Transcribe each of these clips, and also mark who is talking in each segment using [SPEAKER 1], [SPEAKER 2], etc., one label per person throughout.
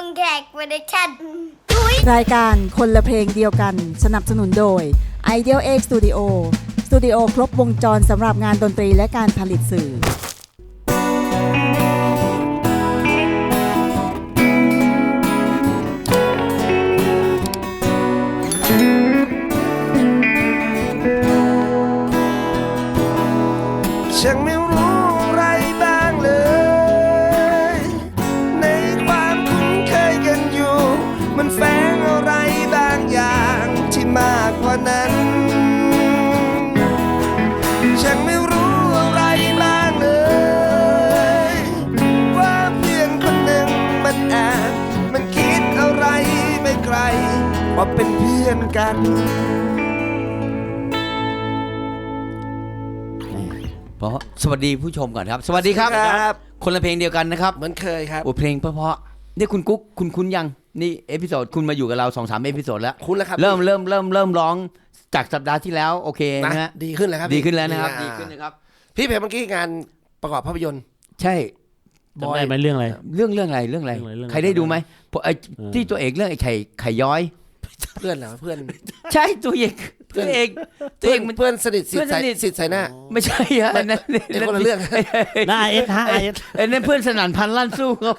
[SPEAKER 1] งแขกโปรดักชั่น
[SPEAKER 2] รายการคนละเพลงเดียวกันสนับสนุนโดย Ideal X Studio สตูดิโอครบวงจรสำหรับงานดนตรีและการผลิตสื่อ
[SPEAKER 3] ฉันไม่รู้อะไรบ้างเลยในความคุ้นเคยกันอยู่มันแฝงอะไรบางอย่างที่มากกว่านั้นฉันไม่รู้อะไรบ้างเลยว่าเพื่อนคนหนึ่งมันคิดอะไรไม่ไกลว่าเป็นเพื่อนกัน
[SPEAKER 4] เพราะสวัสดีผู้ชมก่อนครับสวัสดีครับคนละเพลงเดียวกันนะครับ
[SPEAKER 3] เหมือนเคยครับ
[SPEAKER 4] โอ้เพลงเพราะๆนี่คุณกุ๊กคุณคุ้นยังนี่เอพิโซดคุณมาอยู่กับเรา 2-3 เอพิโซดแล้ว
[SPEAKER 3] คุ้นแล้วครับ
[SPEAKER 4] เริ่มร้องจากสัปดาห์ที่แล้วโอเคนะฮะ
[SPEAKER 3] ดีขึ้นแล้วครับ
[SPEAKER 4] ดีขึ้นแล้วนะครับดีขึ้นนะครับ
[SPEAKER 3] พี่เพลงเมื่อกี้งานประกอบภาพยนตร์
[SPEAKER 4] ใช่
[SPEAKER 5] บอยเรื่องอะไร
[SPEAKER 4] เรื่องอะไรใครได้ดูไหมที่ตัวเอกเรื่องไอ้ไข่ย้อย
[SPEAKER 3] เพื่อนเหรอเพื่อน
[SPEAKER 4] ใช่ตัวเอก
[SPEAKER 3] มันเพื่อนสนิทสิทธิ์ใส่หน้า
[SPEAKER 4] ไม่ใช่ฮะอันนั้น
[SPEAKER 3] คนละเรื่อง
[SPEAKER 5] หน้าเอสฮะ
[SPEAKER 4] ไอ้นั่นเพื่อนสนั่นพันลั่นสู้ครับ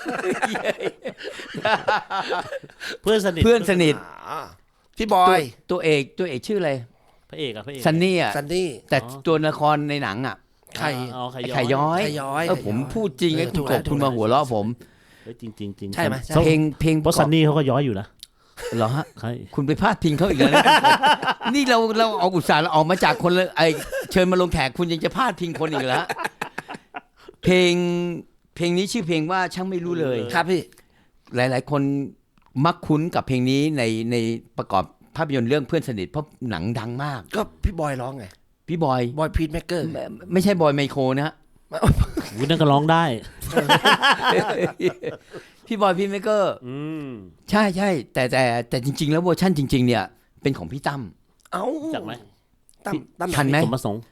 [SPEAKER 5] เพื่อนสนิท
[SPEAKER 3] พี่บอย
[SPEAKER 4] ตัวเอกชื่ออะไร
[SPEAKER 5] พระเอก
[SPEAKER 4] ซันนี่แต่ตัวละครในหนังอ่ะไข่ย้อยผมพูดจริงไอ้คุณมาหัวเราะผม
[SPEAKER 5] จริง
[SPEAKER 4] ใช่ไหมเพลง
[SPEAKER 5] เพราะซันนี่เขาก็ย้อยอยู่นะ
[SPEAKER 4] เหรอฮะคุณไปพาดพิงเขาอีกแล้วนี่เราเอาอุตส่าห์เราออกมาจากคนเลยเชิญมาลงแขกคุณยังจะพาดพิงคนอีกแล้วเพลงนี้ชื่อเพลงว่าช่างไม่รู้เลย
[SPEAKER 3] ครับพี่
[SPEAKER 4] หลายๆคนมักคุ้นกับเพลงนี้ในประกอบภาพยนตร์เรื่องเพื่อนสนิทเพราะหนังดังมาก
[SPEAKER 3] ก็พี่บอยร้องไง
[SPEAKER 4] พี่บอย
[SPEAKER 3] พีทแมคเกอร์
[SPEAKER 4] ไม่ใช่บอยไมโครนะฮะ
[SPEAKER 5] คุณนั่นก็ร้องได้
[SPEAKER 4] พี่บอยพีทแมคเกอร์ใช่แต่จริงๆแล้วเวอร์ชั่นจริงๆเนี่ยเป็นของพี่ตั้ม
[SPEAKER 5] จากไหม
[SPEAKER 3] ตั้ม
[SPEAKER 4] ทันไหม
[SPEAKER 5] สมประสงค์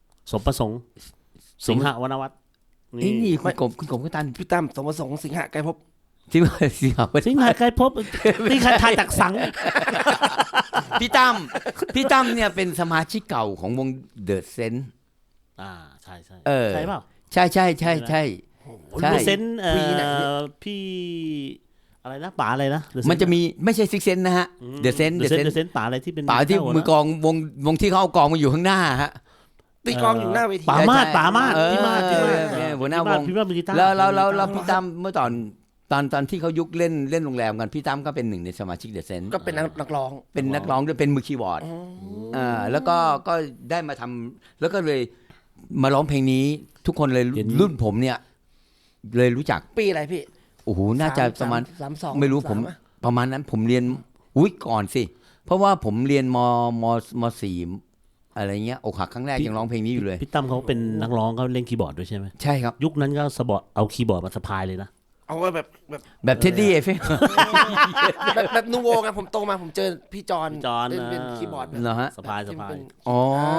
[SPEAKER 5] สิงหวรรณวัฒน์
[SPEAKER 4] นี่คุณกบก็ทัน
[SPEAKER 3] พี่ตั้มสมประสงค์สิงหไกรภพ
[SPEAKER 4] สิงหไกรภพ
[SPEAKER 5] นี่ใครทายจากสัง
[SPEAKER 4] พี่ตั้มเนี่ยเป็นสมาชิกเก่าของวงเดอะเซน
[SPEAKER 5] ใช่
[SPEAKER 4] ใช่
[SPEAKER 5] เปล่า
[SPEAKER 4] ใช่
[SPEAKER 5] เซนพี่อะไรนะป๋าอะไรนะ
[SPEAKER 4] มันจะมีไม่ใช่ซิกเซนนะฮะเดอะเซน
[SPEAKER 5] ป๋าอะไรที่เป็น
[SPEAKER 4] ป๋าที่มือกองวงที่เขาเอากองมาอยู่ข้างหน้าฮะ
[SPEAKER 3] ตีกองอยู่หน้าเวที
[SPEAKER 5] ป๋ามาดพี่มาด
[SPEAKER 4] หัวหน้าวงแล้วพี่ตั้มเมื่อตอนที่เขายุคเล่นโรงแรมกันพี่ตั้มก็เป็นหนึ่งในสมาชิกเดอะเซน
[SPEAKER 3] ก็เป็นนักร้อง
[SPEAKER 4] ด้วยเป็นมือคีย์บอร์ดแล้วก็ได้มาทำแล้วก็เลยมาร้องเพลงนี้ทุกคนเลยรุ่นผมเนี่ยเลยรู้จัก
[SPEAKER 3] ปีอะไรพี่
[SPEAKER 4] โอ้โหน่าจะประมาณ
[SPEAKER 3] 32
[SPEAKER 4] ไม่รู้ผมประมาณนั้นผมเรียนก่อนสิเพราะว่าผมเรียนม.4 อะไรเงี้ยอกหักครั้งแรกยังร้องเพลงนี้อยู่เลย
[SPEAKER 5] พี่ตั้มเขาเป็นนักร้องเขาเล่นคีย์บอร์ดด้วยใช่ไหม
[SPEAKER 4] ใช่ครับ
[SPEAKER 5] ยุคนั้นก็เอาคีย์บอร์ดมาสะพายเลยนะ
[SPEAKER 3] เอาไว้
[SPEAKER 4] แบบเท็ดดี้
[SPEAKER 3] แบบนูโวไงผมโตมาผมเจอพี่จอนเป็นคีย์บอร์ด
[SPEAKER 4] เหรอฮะ
[SPEAKER 5] สะพาย
[SPEAKER 4] อ๋อ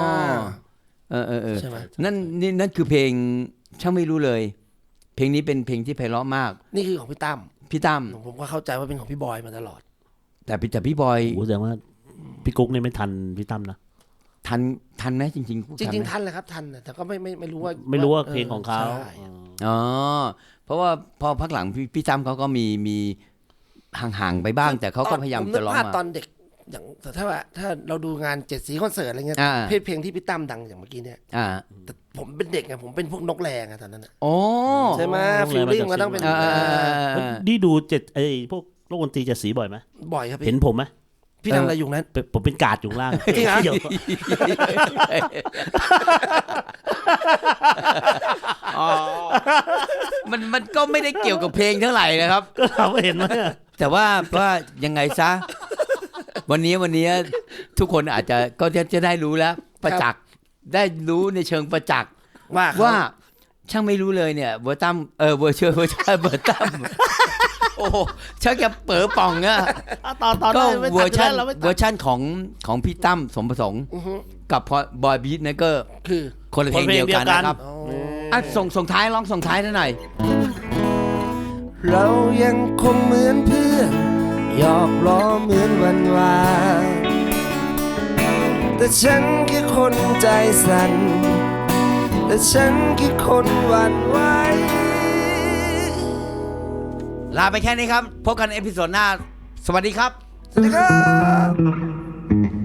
[SPEAKER 4] ใช่ไหมนั่นคือเพลงช่างไม่รู้เลยเพลงนี้เป็นเพลงที่ไพเราะมาก
[SPEAKER 3] นี่คือของพี่ตั้มผมก็เข้าใจว่าเป็นของพี่บอยมาตลอด
[SPEAKER 4] แต่พี่บอย
[SPEAKER 5] แสดงว่าพี่กุ๊กนี่ไม่ทันพี่ตั้มนะ
[SPEAKER 4] ทันไหมจริง
[SPEAKER 3] ทันเลยครับทันแต่ก็ไม่รู้ว่า
[SPEAKER 5] เพลงของเขา
[SPEAKER 4] อ๋อเพราะว่าพอพักหลังพี่ตั้มเขาก็มีห่างๆไปบ้างแต่เขาก็พยายามจะร้องมา
[SPEAKER 3] ตอนเด็กอย่างถ้าเราดูงาน7 สีคอนเสิร์ตอะไรเงี้ยเพลงที่พี่ตั้มดังอย่างเมื่อกี้เนี่ยแต่ผมเป็นเด็กไงผมเป็นพวกนกแรงตอนนั้นใช่ไหมฟีลลิ่งมันต้องเป็น
[SPEAKER 5] นี่ดูพวกโลกดนตรี7 สีบ่อยไหม
[SPEAKER 3] บ่อยครับ
[SPEAKER 5] เห็นผมไหม
[SPEAKER 3] พี่ทำอะไรอยู่นั้น
[SPEAKER 5] ผมเป็นกาดอยู่ล่าง
[SPEAKER 3] จริงเหรอ
[SPEAKER 4] มันก็ไม่ได้เกี่ยวกับเพลงเท่าไหร่นะครับ
[SPEAKER 5] ก็เราเห็นไหม
[SPEAKER 4] แต่ว่ายังไงซะวันนี้ทุกคนอาจจะก็จะได้รู้แล้วประจักษ์ได้รู้ในเชิงประจักษ์ว่าช่างไม่รู้เลยเนี่ยเวอร์ตั้มเวอร์ตั้มโอ้ชักจะเป๋อป่องอะก็เวอร์ชันของพี่ตั้มสมประสงค์กับบอยบีทเมเกอร์
[SPEAKER 3] คือ
[SPEAKER 4] คนละเพลงเดียวกันนะครับส่งท้ายร้องส่งท้ายหน่อย
[SPEAKER 3] เรายังคงเหมือนเพื่อนหยอกล้อเหมือนวันวานแต่ฉันแค่คนใจสั่นแต่ฉันแค่คนหวั่นไหว
[SPEAKER 4] ลาไปแค่นี้ครับ พบกันเอพิโซดหน้า สวัสดีครับ
[SPEAKER 3] สวัสดีครับ